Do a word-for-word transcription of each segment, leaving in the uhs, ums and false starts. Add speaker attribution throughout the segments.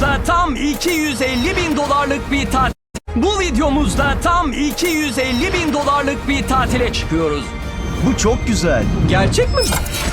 Speaker 1: videomuzda tam iki yüz elli bin dolarlık bir tatil. Bu videomuzda tam iki yüz elli bin dolarlık bir tatile çıkıyoruz.
Speaker 2: Bu çok güzel.
Speaker 3: Gerçek mi?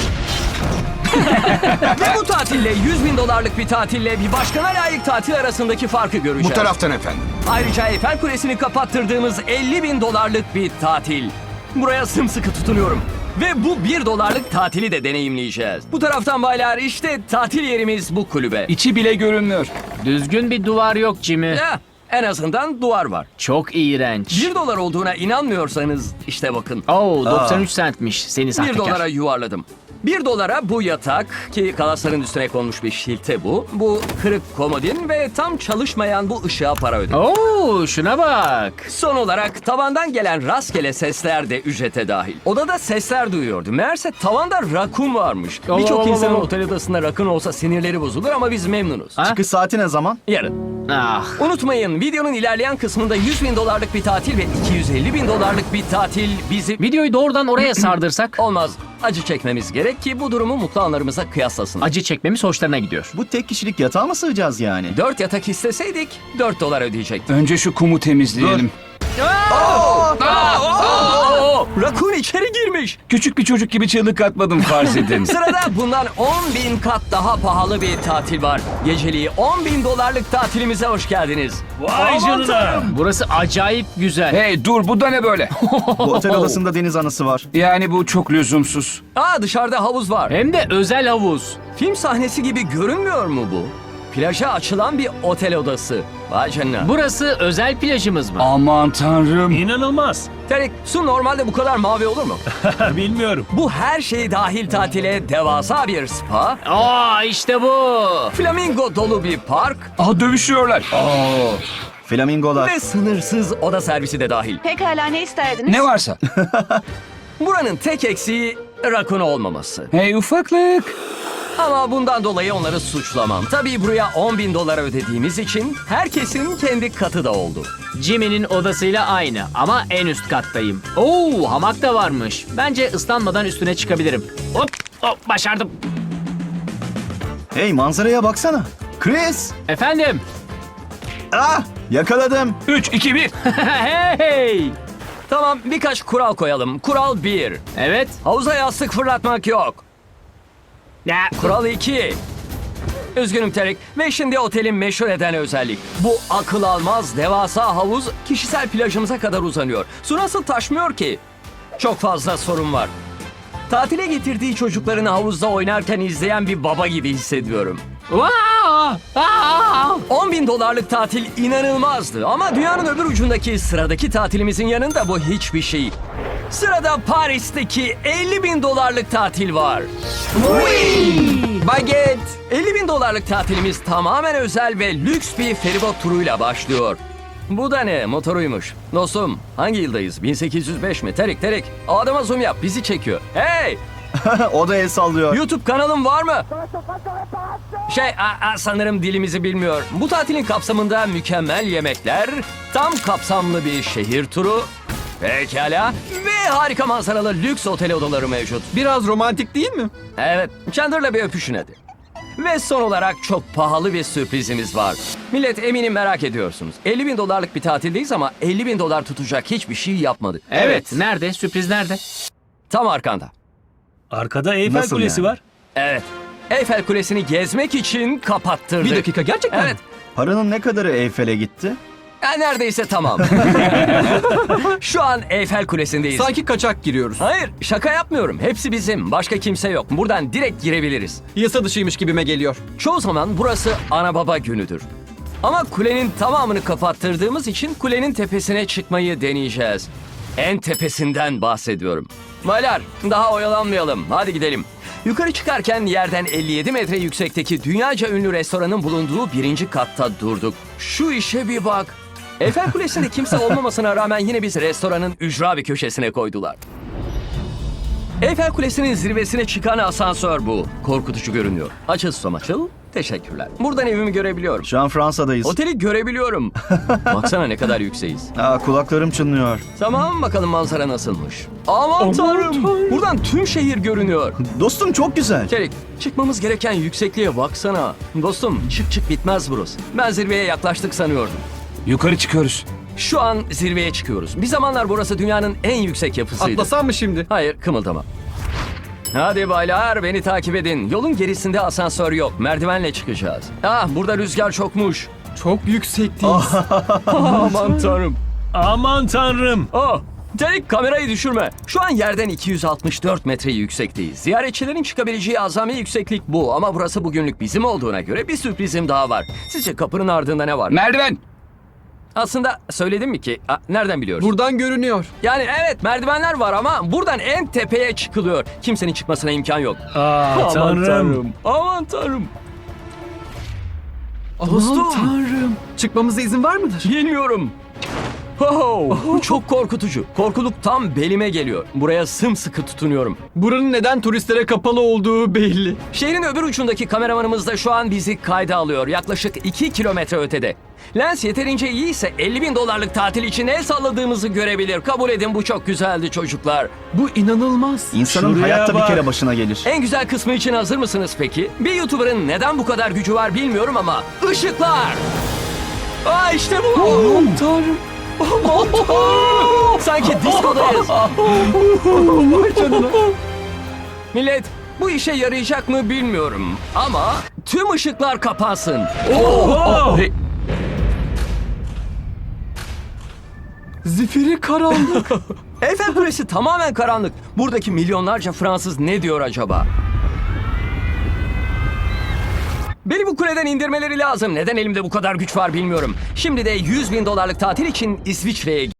Speaker 1: Ve bu tatille yüz bin dolarlık bir tatille bir başkana layık tatil arasındaki farkı göreceğiz.
Speaker 4: Bu taraftan efendim.
Speaker 1: Ayrıca Eiffel Kulesi'ni kapattırdığımız elli bin dolarlık bir tatil. Buraya sımsıkı tutunuyorum. Ve bu bir dolarlık tatili de deneyimleyeceğiz. Bu taraftan baylar, işte tatil yerimiz bu kulübe.
Speaker 3: İçi bile görünmüyor.
Speaker 5: Düzgün bir duvar yok Jimmy.
Speaker 1: Ya, en azından duvar var.
Speaker 5: Çok iğrenç.
Speaker 1: bir dolar olduğuna inanmıyorsanız işte bakın.
Speaker 5: Oo, doksan üç centmiş seni
Speaker 1: bir
Speaker 5: sahtekar.
Speaker 1: dolara yuvarladım. bir dolara bu yatak, ki kalasların üstüne konmuş bir şilte bu. Bu kırık komodin ve tam çalışmayan bu ışığa para ödedim.
Speaker 5: Oo, şuna bak.
Speaker 1: Son olarak tavandan gelen rastgele sesler de ücrete dahil. Odada sesler duyuyordum. Meğerse tavanda rakun varmış.
Speaker 5: Allah
Speaker 1: Birçok
Speaker 5: Allah
Speaker 1: insanın
Speaker 5: Allah.
Speaker 1: otel odasında rakun olsa sinirleri bozulur ama biz memnunuz.
Speaker 5: Ha?
Speaker 2: Çıkış saati ne zaman?
Speaker 1: Yarın.
Speaker 5: Ah.
Speaker 1: Unutmayın, videonun ilerleyen kısmında yüz bin dolarlık bir tatil ve iki yüz elli bin dolarlık bir tatil bizi...
Speaker 5: Videoyu doğrudan oraya sardırsak
Speaker 1: Olmaz. Acı çekmemiz gerek ki bu durumu mutlu anlarımıza kıyaslasın.
Speaker 5: acı çekmemiz hoşlarına gidiyor.
Speaker 2: Bu tek kişilik yatağa mı sığacağız yani?
Speaker 1: Dört yatak isteseydik dört dolar ödeyecektik.
Speaker 3: Önce şu kumu temizleyelim.
Speaker 1: Oo, rakun içeri girmiş.
Speaker 3: Küçük bir çocuk gibi çığlık atmadım farz edin.
Speaker 1: Sırada bundan on bin kat daha pahalı bir tatil var. Geceliği on bin dolarlık tatilimize hoş geldiniz.
Speaker 5: Vay canına. Burası acayip güzel.
Speaker 3: Hey dur, bu da ne böyle?
Speaker 2: Bu otel odasında deniz anası var.
Speaker 3: Yani bu çok lüzumsuz.
Speaker 1: Aa, dışarıda havuz var.
Speaker 5: Hem de özel havuz.
Speaker 1: Film sahnesi gibi görünmüyor mu bu? Plaja açılan bir otel odası. Vay canına.
Speaker 5: Burası özel plajımız mı?
Speaker 3: Aman tanrım.
Speaker 6: İnanılmaz.
Speaker 1: Terik, su normalde bu kadar mavi olur mu?
Speaker 6: Bilmiyorum.
Speaker 1: Bu her şey dahil tatile devasa bir spa,
Speaker 5: Aa, işte bu.
Speaker 1: flamingo dolu bir park
Speaker 3: Aha, dövüşüyorlar.
Speaker 2: Flamingolar.
Speaker 1: ve sınırsız oda servisi de dahil.
Speaker 7: Pekala, ne isterdiniz?
Speaker 3: Ne varsa.
Speaker 1: Buranın tek eksiği rakun olmaması.
Speaker 3: Hey ufaklık.
Speaker 1: Ama bundan dolayı onları suçlamam. Tabii buraya on bin dolara ödediğimiz için herkesin kendi katı da oldu.
Speaker 5: Jimmy'nin odasıyla aynı ama en üst kattayım. Oo, hamak da varmış. Bence ıslanmadan üstüne çıkabilirim. Hop, hop, başardım.
Speaker 2: Hey, manzaraya baksana. Chris!
Speaker 5: Efendim?
Speaker 2: Ah! Yakaladım.
Speaker 3: üç, iki, bir.
Speaker 5: Hey!
Speaker 1: Tamam, birkaç kural koyalım. Kural bir.
Speaker 5: Evet.
Speaker 1: Havuza yastık fırlatmak yok.
Speaker 5: Ya,
Speaker 1: Kural iki. Üzgünüm Terik. Ve şimdi otelin meşhur eden özellik. Bu akıl almaz devasa havuz kişisel plajımıza kadar uzanıyor. Su nasıl taşmıyor ki? Çok fazla sorun var. Tatile getirdiği çocuklarını havuzda oynarken izleyen bir baba gibi hissediyorum.
Speaker 5: Vaa! Aa!
Speaker 1: on bin dolarlık tatil inanılmazdı ama dünyanın öbür ucundaki sıradaki tatilimizin yanında bu hiçbir şey. Sırada Paris'teki elli bin dolarlık tatil var. Baget! elli bin dolarlık tatilimiz tamamen özel ve lüks bir feribot turuyla başlıyor. Bu da ne? Motoruymuş. Dostum, hangi yıldayız? bin sekiz yüz beş mi? Terik terik. O adama zoom yap, bizi çekiyor. Hey!
Speaker 2: O da el sallıyor.
Speaker 1: YouTube kanalın var mı? Şey, a, a, sanırım dilimizi bilmiyor. Bu tatilin kapsamında mükemmel yemekler, tam kapsamlı bir şehir turu, pekala, ve harika manzaralı lüks otel odaları mevcut.
Speaker 3: Biraz romantik değil mi?
Speaker 1: Evet, Chandler'la bir öpüşün hadi. Ve son olarak çok pahalı bir sürprizimiz var. Millet, eminim merak ediyorsunuz. elli bin dolarlık bir tatildeyiz ama elli bin dolar tutacak hiçbir şey yapmadık.
Speaker 5: Evet. Nerede? Sürpriz nerede?
Speaker 1: Tam arkanda.
Speaker 6: Arkada Eyfel
Speaker 2: Nasıl
Speaker 6: Kulesi
Speaker 2: yani?
Speaker 6: var.
Speaker 1: Evet. Eyfel Kulesi'ni gezmek için kapattırdık.
Speaker 3: Bir dakika, gerçekten mi?
Speaker 1: Evet.
Speaker 2: Paranın ne kadarı Eyfel'e gitti?
Speaker 1: Ha, neredeyse tamam. Şu an Eyfel Kulesi'ndeyiz.
Speaker 3: Sanki kaçak giriyoruz.
Speaker 1: Hayır, şaka yapmıyorum. Hepsi bizim. Başka kimse yok. Buradan direkt girebiliriz.
Speaker 3: Yasa dışıymış gibime geliyor.
Speaker 1: Çoğu zaman burası ana baba günüdür. Ama kulenin tamamını kapattırdığımız için kulenin tepesine çıkmayı deneyeceğiz. En tepesinden bahsediyorum. Baylar, daha oyalanmayalım. Hadi gidelim. Yukarı çıkarken yerden elli yedi metre yüksekteki dünyaca ünlü restoranın bulunduğu birinci katta durduk. Şu işe bir bak. Eyfel Kulesi'nde kimse olmamasına rağmen yine bizi restoranın ücra bir köşesine koydular. Eyfel Kulesi'nin zirvesine çıkan asansör bu. Korkutucu görünüyor. Açıl susam açıl. Teşekkürler. Buradan evimi görebiliyorum.
Speaker 2: Şu an Fransa'dayız.
Speaker 1: Oteli görebiliyorum. Baksana ne kadar yükseğiz.
Speaker 2: Aa, kulaklarım çınlıyor.
Speaker 1: Tamam bakalım manzara nasılmış. Aman tanrım. Buradan tüm şehir görünüyor.
Speaker 2: Dostum çok güzel.
Speaker 1: Çelik, çıkmamız gereken yüksekliğe baksana. Dostum, çık çık bitmez burası. Ben zirveye yaklaştık sanıyordum.
Speaker 6: Yukarı çıkıyoruz.
Speaker 1: Şu an zirveye çıkıyoruz. Bir zamanlar burası dünyanın en yüksek yapısıydı.
Speaker 3: Atlasam mı şimdi?
Speaker 1: Hayır, kımıldama. Hadi baylar, beni takip edin. Yolun gerisinde asansör yok. Merdivenle çıkacağız. Ah, burada rüzgar çokmuş.
Speaker 3: Çok yüksekteyiz.
Speaker 1: Aman tanrım.
Speaker 6: Aman tanrım.
Speaker 1: Oh, Çelik kamerayı düşürme. Şu an yerden iki yüz altmış dört metre yüksekteyiz. Ziyaretçilerin çıkabileceği azami yükseklik bu. Ama burası bugünlük bizim olduğuna göre bir sürprizim daha var. Sizce kapının ardında ne var?
Speaker 4: Merdiven.
Speaker 1: Aslında söyledim mi ki? Aa, nereden biliyoruz?
Speaker 3: Buradan görünüyor.
Speaker 1: Yani evet merdivenler var ama buradan en tepeye çıkılıyor. Kimsenin çıkmasına imkan yok.
Speaker 6: Aa, tanrım.
Speaker 1: Aman tanrım.
Speaker 3: Aman
Speaker 1: Dostum.
Speaker 3: tanrım. Çıkmamıza izin var mıdır?
Speaker 1: Bilmiyorum. Oh, bu çok korkutucu. Korkuluk tam belime geliyor. Buraya sımsıkı tutunuyorum.
Speaker 3: Buranın neden turistlere kapalı olduğu belli.
Speaker 1: Şehrin öbür ucundaki kameramanımız da şu an bizi kayda alıyor. Yaklaşık iki kilometre ötede. Lens yeterince iyiyse elli bin dolarlık tatil için el salladığımızı görebilir. Kabul edin bu çok güzeldi çocuklar.
Speaker 3: Bu inanılmaz.
Speaker 2: İnsanın
Speaker 6: Şuraya
Speaker 2: hayatta
Speaker 6: bak.
Speaker 2: bir kere başına gelir.
Speaker 1: En güzel kısmı için hazır mısınız peki? Bir YouTuber'ın neden bu kadar gücü var bilmiyorum ama ışıklar! Aa işte bu!
Speaker 3: Aman tanrım.
Speaker 1: Aman tanrım! Sanki diskodayız.
Speaker 3: Vay canına.
Speaker 1: Millet bu işe yarayacak mı bilmiyorum ama tüm ışıklar kapansın.
Speaker 6: Oh!
Speaker 3: Zifiri karanlık.
Speaker 1: Eyfel Kulesi tamamen karanlık. Buradaki milyonlarca Fransız ne diyor acaba? Beni bu kuleden indirmeleri lazım. Neden elimde bu kadar güç var bilmiyorum. Şimdi de yüz bin dolarlık tatil için İsviçre'ye